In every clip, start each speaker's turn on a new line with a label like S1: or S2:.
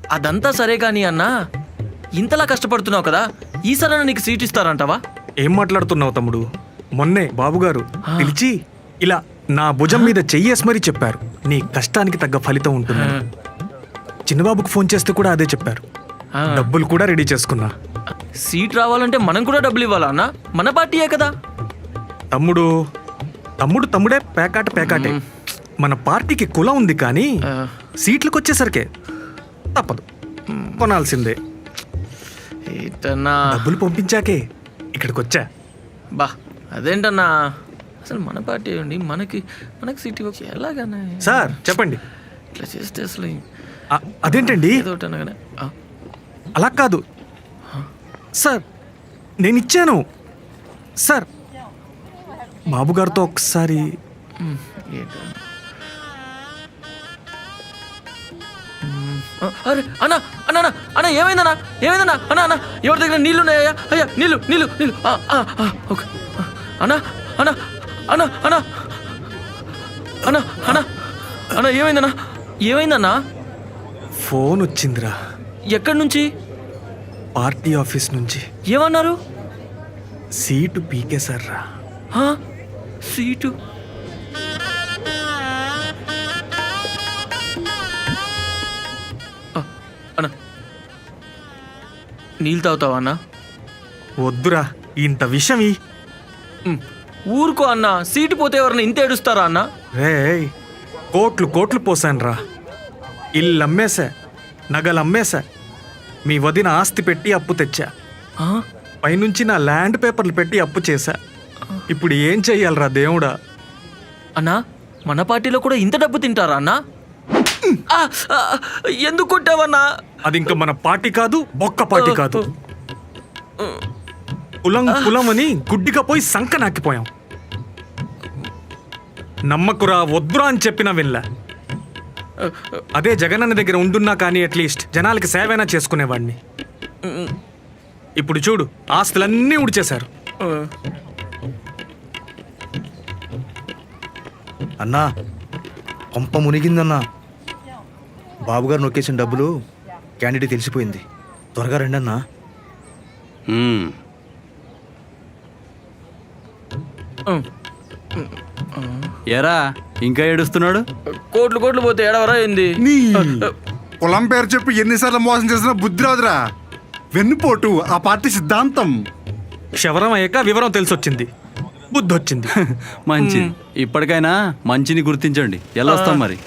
S1: అదంతా సరే కానీ అన్నా, ఇంతలా కష్టపడుతున్నావు కదా, ఈసారైనా నీకు సీట్ ఇస్తారంటావా?
S2: ఏం మాట్లాడుతున్నావు తమ్ముడు? మొన్నే బాబుగారు పిలిచి ఇలా నా భుజం మీద చెయ్యేసి మరీ చెప్పారు, నీ కష్టానికి తగ్గ ఫలితం ఉంటుంది. చిన్నబాబుకు ఫోన్ చేస్తే కూడా అదే చెప్పారు. డబ్బులు కూడా రెడీ చేసుకున్నా.
S1: సీట్ రావాలంటే మనం కూడా డబ్బులు ఇవ్వాలా అన్నా? మన పార్టీయే కదా.
S2: తమ్ముడే పేకాటే. మన పార్టీకి కులం ఉంది కానీ సీట్లకు వచ్చేసరికే తప్పదు, కొనాల్సిందే. డబ్బులు పంపించాకే ఇక్కడికి వచ్చా.
S1: బా అదేంటన్నా, అసలు మన పార్టీ అండి, మనకి సీట్ ఇవ్వచ్చు ఎలాగన్నా?
S2: సార్ చెప్పండి.
S1: ఇట్లా చేస్తే అసలు
S2: అదేంటండి? అలా కాదు సార్, నేను ఇచ్చాను సార్. బాబుగారితో ఒకసారి
S1: అరే అన్నా అన్నా అన్నా ఏమైందన్నా? అన్నా ఎవరి దగ్గర నీళ్ళు ఉన్నాయా? అయ్యా నీళ్ళు. ఓకే అన్నా అన్నా అన్నా అన్నా అన్నా అన్నా అన్నా ఏమైందన్నా?
S2: ఫోన్ వచ్చిందిరా.
S1: ఎక్కడి నుంచి?
S2: పార్టీ ఆఫీస్ నుంచి.
S1: ఏమన్నారు?
S2: సీటు పీకేశారా.
S1: సీటు? అన్నా నీళ్ళు తాగుతావా అన్నా?
S2: వద్దురా, ఇంత విషయం.
S1: ఊరుకో అన్నా, సీటు పోతే ఎవరన్నా ఇంత ఏడుస్తారా అన్నా?
S2: రే కోట్లు పోసానురా. ఇల్లు అమ్మేశా, నగలు అమ్మేశా, మీ వదిన ఆస్తి పెట్టి అప్పు తెచ్చా, పైనుంచి నా ల్యాండ్ పేపర్లు పెట్టి అప్పు చేశా. ఇప్పుడు ఏం చెయ్యాలరా దేవుడా?
S1: అన్నా మన పార్టీలో కూడా ఇంత డబ్బు తింటారా అన్నా? ఎందుకు కొట్టావన్నా?
S2: అది ఇంకా మన పార్టీ కాదు, బొక్క పార్టీ కాదు. కులం అని గుడ్డిగా పోయి సంక నాకిపోయాం. నమ్మకురా, వద్దురా అని చెప్పినా వినలా. అదే జగనన్న దగ్గర ఉండున్నా కానీ అట్లీస్ట్ జనాలకి సేవైనా చేసుకునేవాడిని. ఇప్పుడు చూడు, ఆస్తులన్నీ ఉడిచేశారు.
S3: అన్నా కొంప మునిగిందన్నా. బాబుగారు నొక్కేసిన డబ్బులు క్యాండిడేట్ తెలిసిపోయింది. త్వరగా రండి అన్నా.
S4: ఎరా ఇంకా ఏడుస్తున్నాడు?
S1: కోట్లు పోతే ఏడవరా ఏంది?
S5: కులం పేరు చెప్పి ఎన్నిసార్లు మోసం చేసినా బుద్ధి రాదురా. వెన్నుపోటు ఆ పార్టీ సిద్ధాంతం.
S2: క్షవరం అయ్యాక వివరం తెలిసొచ్చింది, బుద్ధి వచ్చింది.
S4: మంచి, ఇప్పటికైనా మంచిని గుర్తించండి. వెళ్ళొస్తాం మరి.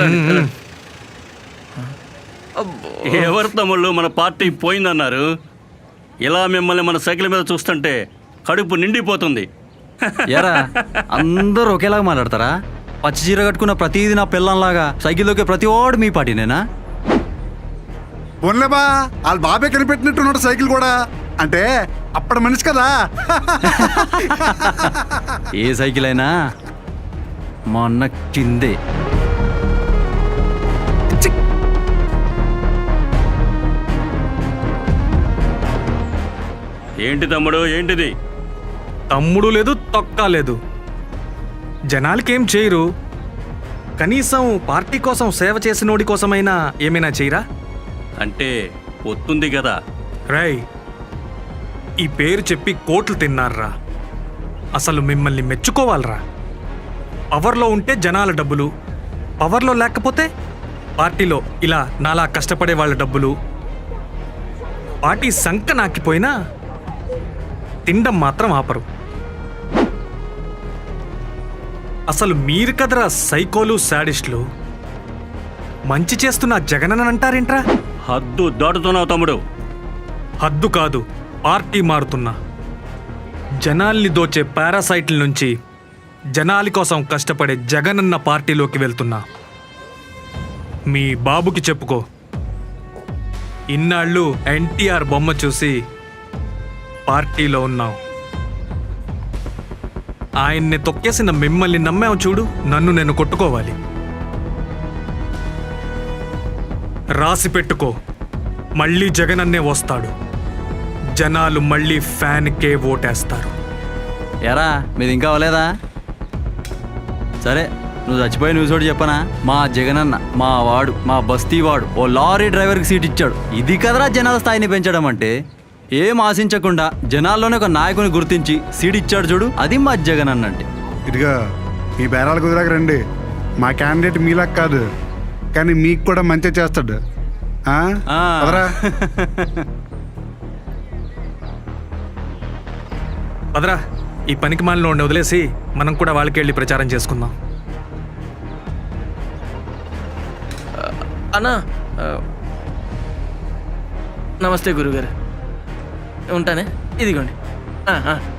S6: ఎవరు తమ్ముళ్ళు మన పార్టీ పోయిందన్నారు? ఇలా మిమ్మల్ని మన సైకిల్ మీద చూస్తుంటే కడుపు నిండిపోతుంది.
S4: ఎరా అందరూ ఒకేలాగా మాట్లాడతారా? పచ్చి చీర కట్టుకున్న ప్రతిదీ నా పిల్లంలాగా సైకిల్లోకి ప్రతి వాడు మీ పార్టీనేనా?
S5: పోన్లేబా, వాళ్ళ బాబే కనిపెట్టినట్టున్నాడు సైకిల్ కూడా. అంటే అప్పటి మనిషి కదా.
S4: ఏ సైకిల్ అయినా మొన్న కిందే.
S6: ఏంటి తమ్ముడు, ఏంటిది?
S2: తమ్ముడు లేదు, తొక్క లేదు. జనాలకేం చేయరు, కనీసం పార్టీ కోసం సేవ చేసినోడి కోసమైనా ఏమైనా చేయరా?
S6: అంటే ఒత్తుంది కదా.
S2: రై, ఈ పేరు చెప్పి కోట్లు తిన్నారా. అసలు మిమ్మల్ని మెచ్చుకోవాలరా. పవర్లో ఉంటే జనాల డబ్బులు, పవర్లో లేకపోతే పార్టీలో ఇలా నాలా కష్టపడే వాళ్ళ డబ్బులు. పార్టీ సంక నాకిపోయినా తిండం మాత్రం ఆపరు. అసలు మీరు కదరా సైకోలు, శాడిస్టులు. మంచి చేస్తున్న జగనన్న అంటారేంట్రా?
S6: హద్దు దాటుతున్నావు తమ్ముడు.
S2: హద్దు కాదు, పార్టీ మారుతున్నా. జనాల్ని దోచే పారాసైట్ల నుంచి జనాలి కోసం కష్టపడే జగనన్న పార్టీలోకి వెళ్తున్నా. మీ బాబుకి చెప్పుకో, ఇన్నాళ్ళు ఎన్టీఆర్ బొమ్మ చూసి పార్టీలో ఉన్నావు. ఆయన్ని తొక్కేసిన మిమ్మల్ని నమ్మావు చూడు, నన్ను నేను కొట్టుకోవాలి. రాసి పెట్టుకో, మళ్ళీ జగనన్నే వస్తాడు. జనాలు మళ్ళీ ఫ్యాన్కే ఓటేస్తారు.
S4: ఎరా మీది ఇంకా అవ్వలేదా? సరే నువ్వు చచ్చిపోయి న్యూస్ ఒకటి చెప్పనా? మా జగనన్న మా వాడు మా బస్తీ వాడు ఓ లారీ డ్రైవర్కి సీట్ ఇచ్చాడు. ఇది కదరా జనాల స్థాయిని పెంచడం అంటే. ఏం ఆశించకుండా జనాల్లోనే ఒక నాయకుని గుర్తించి సీట్ ఇచ్చాడు చూడు, అది మా జగనన్న అంటే.
S5: ఇదిగా మీ బేరాలు కుదిరాక రండి. మా క్యాండిడేట్ మీలాగా కాదు, కానీ మీకు కూడా మంచి చేస్తాడు. ఆ?
S4: ఆ.
S5: పదరా.
S2: పదరా, ఈ పనికి మాలిన ఉండి వదిలేసి మనం కూడా వాళ్ళకి వెళ్ళి ప్రచారం చేసుకుందాం.
S1: అన్నా నమస్తే గురుగారు, ఉంటానే. ఇదిగోండి.